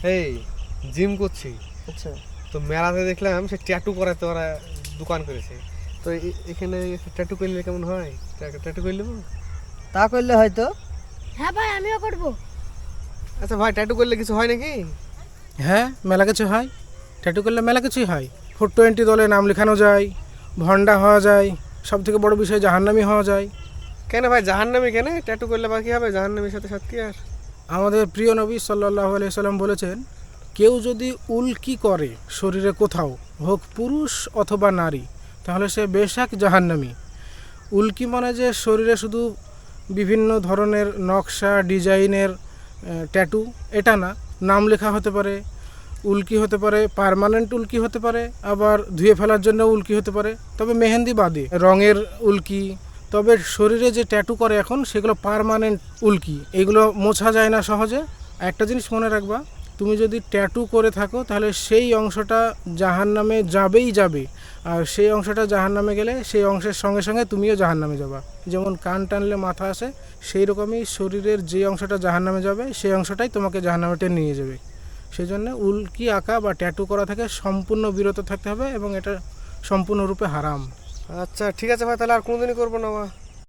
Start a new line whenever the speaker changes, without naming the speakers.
এই জিম করছি।
আচ্ছা,
তো মেলাতে দেখলাম সে ট্যাটু করাতে ওরা দোকান করেছে। তো এখানে ট্যাটু করলে কেমন হয়? ট্যাটু করে নেবো?
তা করলে হয়তো।
হ্যাঁ ভাই, আমিও করব।
আচ্ছা ভাই, ট্যাটু করলে কিছু হয় নাকি?
হ্যাঁ, মেলা কিছু হয়। ট্যাটু করলে মেলা কিছুই হয়। 420 দলে নাম লেখানো যায়, ভন্ডা হওয়া যায়, সব থেকে বড় বিষয় জাহান্নামী হওয়া যায়।
কেন ভাই, জাহান্নামী কেন? ট্যাটু করলে বাকি হবে, জাহান্নামীর সাথে সাথে কি আর?
আমাদের প্রিয় নবী সাল্লাল্লাহু আলাইহি সাল্লাম বলেছেন, কেউ যদি উল্কি করে শরীরে কোথাও, হোক পুরুষ অথবা নারী, তাহলে সে বেশাক জাহান্নামী। উল্কি মানে যে শরীরে শুধু বিভিন্ন ধরনের নকশা ডিজাইনের ট্যাটু, এটা না। নাম লেখা হতে পারে, উল্কি হতে পারে, পার্মানেন্ট উল্কি হতে পারে, আবার ধুয়ে ফেলার জন্য উল্কি হতে পারে, তবে মেহেন্দি বাদে রঙের উল্কি। তবে শরীরে যে ট্যাটু করে এখন সেগুলো পার্মানেন্ট উল্কি, এগুলো মোছা যায় না সহজে। একটা জিনিস মনে রাখবা, তুমি যদি ট্যাটু করে থাকো তাহলে সেই অংশটা জাহান্নামে যাবেই যাবে, আর সেই অংশটা জাহান্নামে গেলে সেই অংশের সঙ্গে সঙ্গে তুমিও জাহান্নামে যাবা। যেমন কান টানলে মাথা আসে, সেই রকমই শরীরের যে অংশটা জাহান্নামে যাবে সেই অংশটাই তোমাকে জাহান্নামে টেনে নিয়ে যাবে। সেই জন্য উল্কি আঁকা বা ট্যাটু করা থেকে সম্পূর্ণ বিরত থাকতে হবে, এবং এটা সম্পূর্ণরূপে হারাম।
আচ্ছা ঠিক আছে ভাই, তাহলে আর কোনোদিনই করবো না।